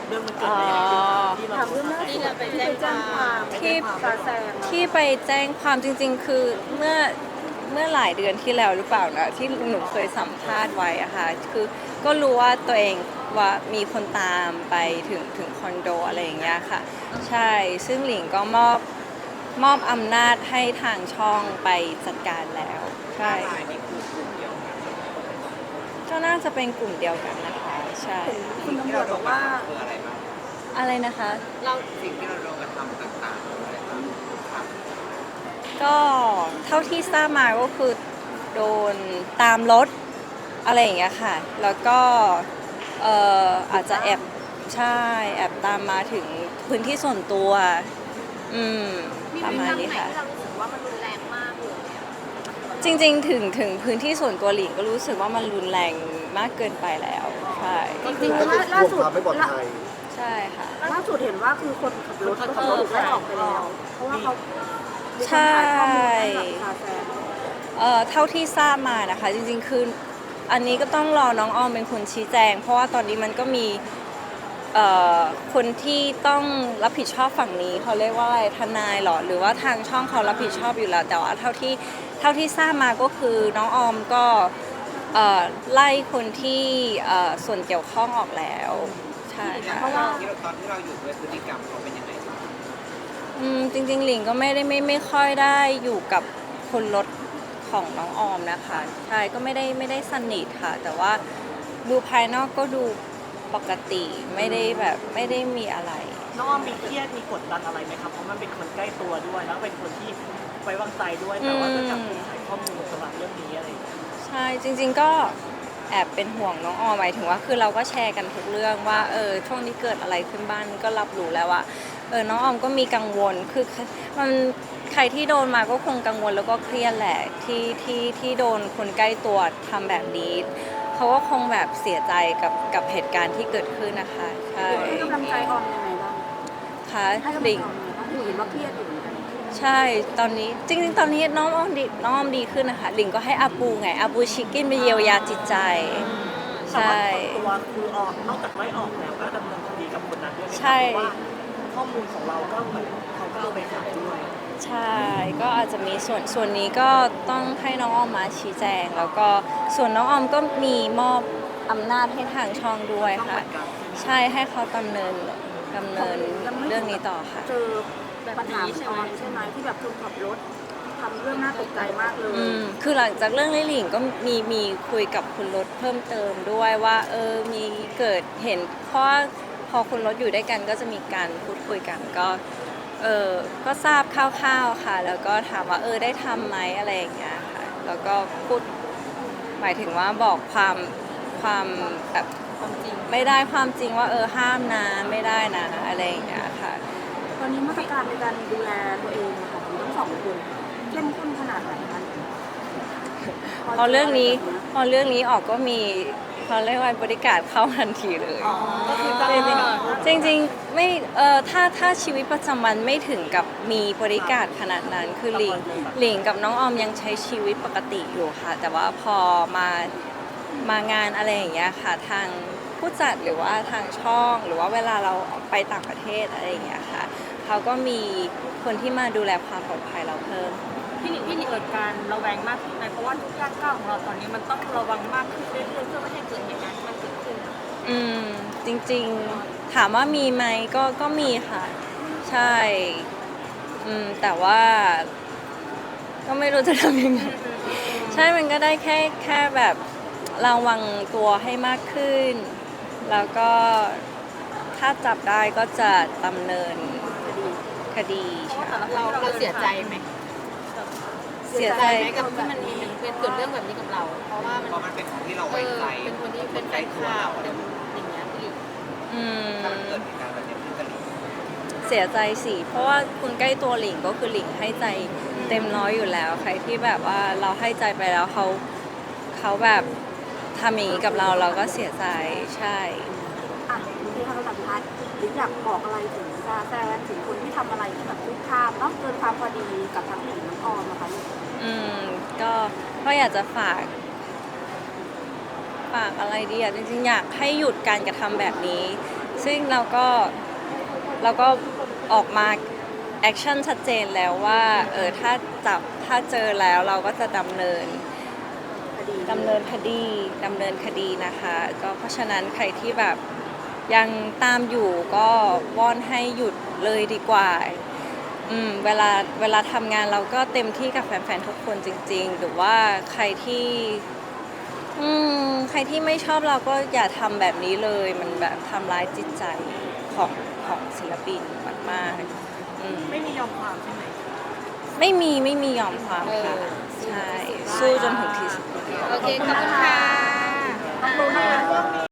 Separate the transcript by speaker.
Speaker 1: เรื่องมันเกิดอะไรขึ้นที่เรา
Speaker 2: ถามเรื่องล่าสุด
Speaker 3: ที่เราไป
Speaker 2: ที่
Speaker 3: แจ้
Speaker 2: ไป
Speaker 3: งค
Speaker 2: แจ้ง
Speaker 3: วาม
Speaker 2: ความ
Speaker 4: ที่
Speaker 2: ซาแซง
Speaker 4: ที่ไปแจ้งความจริงๆคือเมื่อหลายเดือนที่แล้วหรือเปล่านะที่หนูเคยสัมภาษณ์ไว้อะค่ะคือก็รู้ว่าตัวเองว่ามีคนตามไปถึงคอนโดอะไรอย่างเงี้ยค่ะใช่ซึ่งหลิงก็มอบอำนาจให้ทางช่องไปจัดการแล้วใช่ก็น่าจะเป็นกลุ่มเดียวกันนะคะใช่
Speaker 2: คุณตำรวจบอกว่า
Speaker 4: อะไรนะคะ
Speaker 3: เรา
Speaker 5: สิ่งที่เราโดนกระทำต่างๆอะไรบ้างครับ
Speaker 4: ก็เท่าที่ทราบมาก็คือโดนตามรถอะไรอย่างเงี้ยค่ะ แล้วก็อาจจะใช่แอบตามมาถึงพื้นที่ส่วนตัวประมาณนี้ค่ะ
Speaker 3: ที่เรารู้สึกว่ามันรุนแรงมากเลย
Speaker 4: จริงๆถึงพื้นที่ส่วนตัวหลิงก็รู้สึกว่ามันรุนแรงมากเกินไปแล้วใช่
Speaker 2: จริงๆล่าสุด
Speaker 6: ความไม่ปลอดภัย
Speaker 4: ใช่ค่ะ
Speaker 2: ล่าสุดเห็นว่าคือคนขับรถก็ถูกไล่ออกไปแล้ว เพราะว่าเขามีคน
Speaker 4: ใช่
Speaker 2: ขายข้อมูลให้กับซาแซง
Speaker 4: เท่าที่ทราบมานะคะจริงๆคืออันนี้ก็ต้องรอน้องออมเป็นคนชี้แจง เพราะว่าตอนนี้มันก็มีคนที่ต้องรับผิดชอบฝั่งนี้เขาเรียกว่าอะไรทนายหรอหรือว่าทางช่องเขารับผิดชอบอยู่แล้ว แต่ว่าเท่าที่ทราบมาก็คือน้องออมก็ไล่คนที่ส่วนเกี่ยวข้องออกแล้วใช่ค่ะ
Speaker 2: เพราะว่า
Speaker 5: ตอนที่เราอยู่ด้วยพฤติกรรมเขาเป็นยังไงบ้าง
Speaker 4: จริงๆหลิงก็ไม่ค่อยได้อยู่กับคนรถของน้องออมนะคะใช่ก็ไม่ได้สนิทค่ะ แต่ว่าดูภายนอกก็ดูปกติไม่ได้มีอะไร
Speaker 1: น้องออมมีเครียดมีกดดันอะไรไหมครับเพราะมันเป็นคนใกล้ตัวด้วยแล้วเป็นคนที่ไว้วางใจด้วยแต่ว่าก็จับถูกขายข้อมูลสำหรับเรื่องนี้อะไรอย่างเงี้ย
Speaker 4: ใช่จริงๆก็แอบเป็นห่วงน้องออมหมายถึงว่าคือเราก็แชร์กันทุกเรื่องว่าช่วงนี้เกิดอะไรขึ้นบ้างก็รับรู้แล้วว่าน้องออมก็มีกังวลคือมันใครที่โดนมาก็คงกังวลแล้วก็เครียดแหละที่โดนคนใกล้ตัวทำแบบนี้เขาก็คงแบบเสียใจกับเหตุการณ์ที่เกิดขึ้นนะคะใช่
Speaker 2: ให้กำลังใจออมยังไงบ้าง
Speaker 4: ค่ะ
Speaker 2: ให้กำลังใจ
Speaker 4: หลิง
Speaker 2: ออมยังไงบ้างเห็นว่าเครียดอยู่เหมือนกัน
Speaker 4: ใช่ตอนนี้จริงๆตอนนี้น้องออมดีขึ้นนะคะหลิงก็ให้อาปูไงอาปูชิคกินไปเยียวยาจิตใจ
Speaker 1: แต่
Speaker 4: ใช่
Speaker 1: ว่าตัวคือออกนอกจากไล่ออกแล้วก็ดำเนินคดีกับคนนั้นด้วยไหม
Speaker 4: ใช่
Speaker 1: เพราะว่าข้อมูลของเราก็เหมือนเขาก็เอาไปขายด้วย
Speaker 4: ใช่ก็อาจจะมีส่วนนี้ก็ต้องให้น้องออมมาชี้แจง แล้วก็ส่วนน้องออมก็มีมอบอำนาจให้ทางช่องด้วยค่ะ ใช่ให้เขาดำเนินเรื่องนี้ต่อค่ะ
Speaker 2: เจอปัญหาของออมใช่ไหมที่แบบคนขับรถทำเรื่องน่าตกใจมากเลย
Speaker 4: คือหลังจากเรื่องลิหลิงก็มีคุยกับคุณรถเพิ่มเติมด้วยว่ามีเกิดเห็นเพราะว่าพอคุณรถอยู่ด้วยกันก็จะมีการพูดคุยกันก็ทราบคร่าวๆค่ะ แล้วก็ถามว่าได้ทำไหมอะไรอย่างเงี้ยค่ะแล้วก็พูดหมายถึงว่าบอกความแบบความจริงไม่ได้ความจริงว่าห้ามนะไม่ได้นะอะไรอย่างเงี้ยค่ะ
Speaker 2: ตอนนี้มาตรการในการดูแลตัวเองของทั้งสองคนเข้มข้นขนาดไหนคะ
Speaker 4: พอเรื่องนี้ออกก็มีเขาเรียกว่าบริการเข้าทันทีเลย
Speaker 1: ก็คือจะเป็น
Speaker 4: จริงๆไม่ถ้าชีวิตประจำวันไม่ถึงกับมีบริการขนาดนั้นคือหลิงกับน้องออมยังใช้ชีวิตปกติอยู่ค่ะ แต่ว่าพอมางานอะไรอย่างเงี้ยค่ะทางผู้จัดหรือว่าทางช่องหรือว่าเวลาเราไปต่างประเทศอะไรอย่างเงี้ยค่ะเขาก็มีคนที่มาดูแลความปลอดภัยเราเพิ่ม
Speaker 3: พี่หนิงเกิดการระแวงมากขึ้นไหมเพราะว่าทุกย่างก้าวของเราตอนนี้มันต้องระวังมากขึ้นเรื่อยๆเพื่อไม่ให้เกิดเหตุการณ์ที่มันเกิดขึ้น
Speaker 4: จริงๆถามว่ามีไหมก็มีค่ะ ใช่แต่ว่าก็ไม่รู้จะทำยังไงใช่มันก็ได้แค่แบบระวังตัวให้มากขึ้น แล้วก็ถ้าจับได้ก็จะดำเนินคดีใช่
Speaker 3: เราเสียใจไหม
Speaker 4: เสียใจ
Speaker 3: ไหมกับที่มันเป็นเกิดเรื่องแบบนี้กับเรา เพราะว่ามัน
Speaker 5: เพราะมันเป็นของที่เราไว้ใจ
Speaker 3: เป็นคนที่เป็นแฟนข่าวเป็นอย่างเงี้ยพี่
Speaker 5: ถ้ามันเกิดเหตุการณ์แบบนี้ขึ้นกับหลิง
Speaker 4: เสียใจสิเพราะว่าคุณใกล้ตัวหลิงก็คือหลิงให้ใจเต็มร้อยอยู่แล้ว ใครที่แบบว่าเราให้ใจไปแล้วเขาแบบทำอย่างนี้กับเราก็เสียใจใช่
Speaker 2: อ่ะที่เขาสัมภาษณ์หรืออยากบอกอะไรถึงซาแซนถึงคนที่ทำอะไรที่แบบคุกคามเนาะเกินความพอดีกับทั้งหลิงทั้งออมนะคะลูก
Speaker 4: ก็อยากจะฝากอะไรดีอ่ะจริงๆอยากให้หยุดการกระทำแบบนี้ซึ่งเราก็ออกมาแอคชั่นชัดเจนแล้วว่าถ้าเจอแล้วเราก็จะดำเนินคดีนะคะก็เพราะฉะนั้นใครที่แบบยังตามอยู่ก็วอนให้หยุดเลยดีกว่าเวลาทำงานเราก็เต็มที่กับแฟนๆทุกคนจริงๆหรือว่าใครที่ไม่ชอบเราก็อย่าทำแบบนี้เลยมันแบบทำร้ายจิตใจของศิลปินมากๆ
Speaker 1: ไม่มียอมความใช่ไหม
Speaker 4: ไม่มียอมความค่ะใช่สู้จนถึงที่สุด
Speaker 3: โอเคขอบคุณค่ะ
Speaker 2: ขอบคุณนะคะ